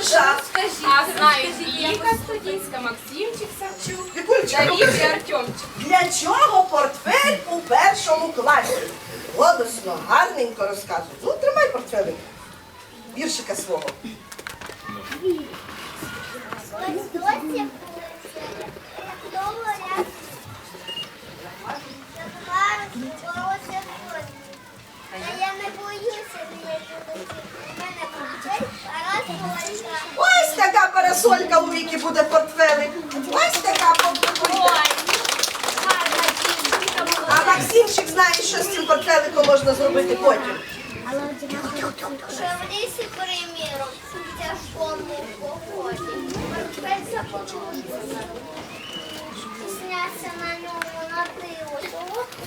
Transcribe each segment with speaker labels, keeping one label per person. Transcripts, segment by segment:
Speaker 1: час.
Speaker 2: А знають Віка Студінська, Максимчик Савчук,
Speaker 1: Вікулечка,
Speaker 2: Давід і Артемчик.
Speaker 1: для чого портфель у першому класі? Голосно, гарненько розказуй. Ну, тримай портфелик. Віршика свого.
Speaker 3: Я не боюся, мене портфель, а раз говорить.
Speaker 1: Ось така парасолька у Віки буде портфелик. Ось така портфелька. А Максимчик знає, що з цим портфеликом можна зробити потім.
Speaker 3: Що в лісі, приміром, в тяжкому поході. Портфель започувся. І сняться на ньому на диво.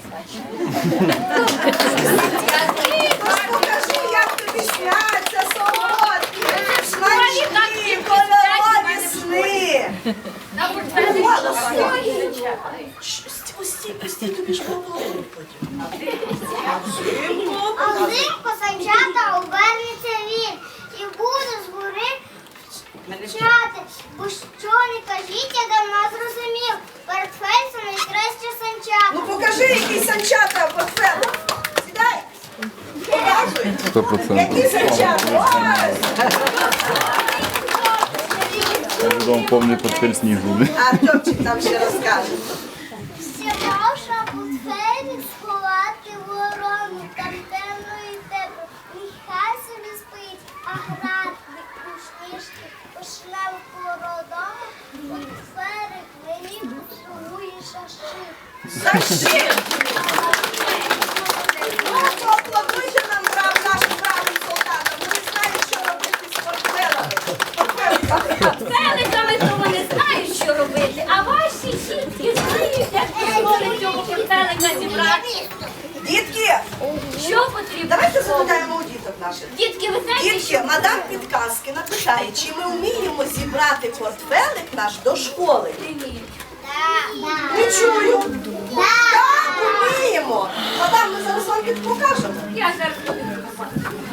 Speaker 1: Покажи, як тобі сняться солодкі, смачні, кольорові сни.
Speaker 2: На портфелі
Speaker 1: Стій, тобі ж поговорить потім.
Speaker 3: А взимку санчата обернеться він і буде згори вчати. Бо що не кажіть, я давно зрозумів. Портфель це найкраще санчата.
Speaker 1: Ну покажи, який санчата портфель. Сідай. Показуй.
Speaker 4: 100%.
Speaker 1: Які санчата. Ось.
Speaker 4: Я потом повний портфель снігу.
Speaker 1: А Артемчик там ще розкаже.
Speaker 3: Сівавша портфелі сховати ворону, там темно і тепло. Нехай собі спить, а градник у сніжки пошле по родому. Портфелик мені поцілує шаши.
Speaker 1: Зашив. Ну, поаплодуйте нам нашим бравим солдатам. Вони знають, що робити з портфелами.
Speaker 2: портфеликами, то вони знають, що робити, а ваші жінки знають, як позволить цього портфелика зібрати.
Speaker 1: Дітки,
Speaker 2: Що потрібно?
Speaker 1: давайте запитаємо у діток наших.
Speaker 2: Дітки, ви знаєте,
Speaker 1: Дітки, мадам Підказки напитає, чи ми вміємо зібрати портфелик наш до школи? Не чую. Так, вміємо. Мадам, ми зараз вам покажемо.
Speaker 2: я зараз буду.